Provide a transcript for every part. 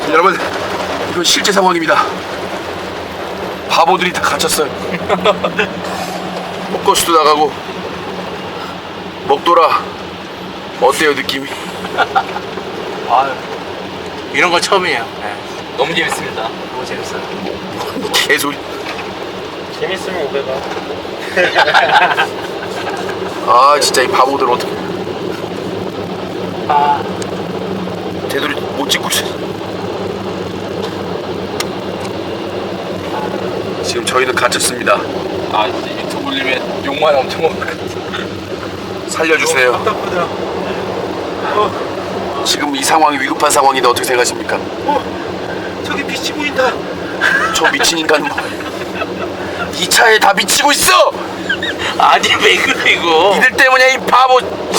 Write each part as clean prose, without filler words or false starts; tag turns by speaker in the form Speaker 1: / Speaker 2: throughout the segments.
Speaker 1: 여러분, 이건 실제 상황입니다. 바보들이 다 갇혔어요. 포커스도 나가고 먹돌아. 어때요 느낌이?
Speaker 2: 아, 이런 건 처음이에요. 네. 너무 재밌습니다. 너무 재밌어요.
Speaker 1: 개소리.
Speaker 3: 재밌으면 500원.
Speaker 1: 아 진짜 이 바보들 어떻게
Speaker 2: 아,
Speaker 1: 되돌이 못 찍고 있어. 지금 저희는 갇혔습니다.
Speaker 2: 아 이제 유튜브 올리면 욕만 엄청 먹을 것 같아.
Speaker 1: 살려주세요.
Speaker 3: 답답하다.
Speaker 1: 지금 이 상황이 위급한 상황인데 어떻게 생각하십니까?
Speaker 3: 저기 빛이 보인다.
Speaker 1: 저 미친 인간 뭐. 이 차에 다 미치고 있어.
Speaker 2: 아니 왜 그래 이거?
Speaker 1: 니들 때문이야 이 바보.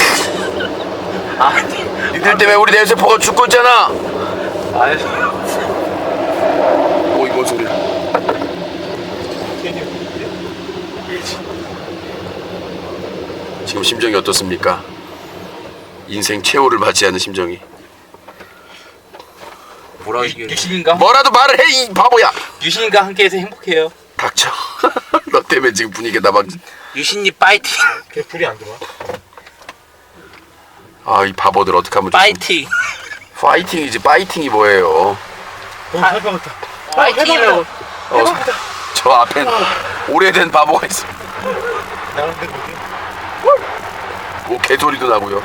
Speaker 2: 아니,
Speaker 1: 니들 때문에 우리 내세포가 죽고 있잖아.
Speaker 2: 아니.
Speaker 1: 오 이거 뭔 소리야? 지금 심정이 어떻습니까? 인생 최후를 맞이하는 심정이.
Speaker 2: 뭐라 이게? 유신인가?
Speaker 1: 뭐라도 말을 해 이 바보야.
Speaker 2: 유신인가 함께해서 행복해요.
Speaker 1: 닥쳐. 너 때문에 지금 분위기가 막.
Speaker 2: 유신님 파이팅.
Speaker 3: 걔 불이 안 들어와.
Speaker 1: 아 이 바보들 어떡하면 좋습니까?
Speaker 2: 파이팅.
Speaker 1: 파이팅이지 파이팅이 뭐예요?
Speaker 3: 해방했다.
Speaker 2: 파이팅이라고.
Speaker 1: 저 앞엔 오래된 바보가 있어.
Speaker 3: 나랑 내 거기.
Speaker 1: 뭐 개소리도 나고요.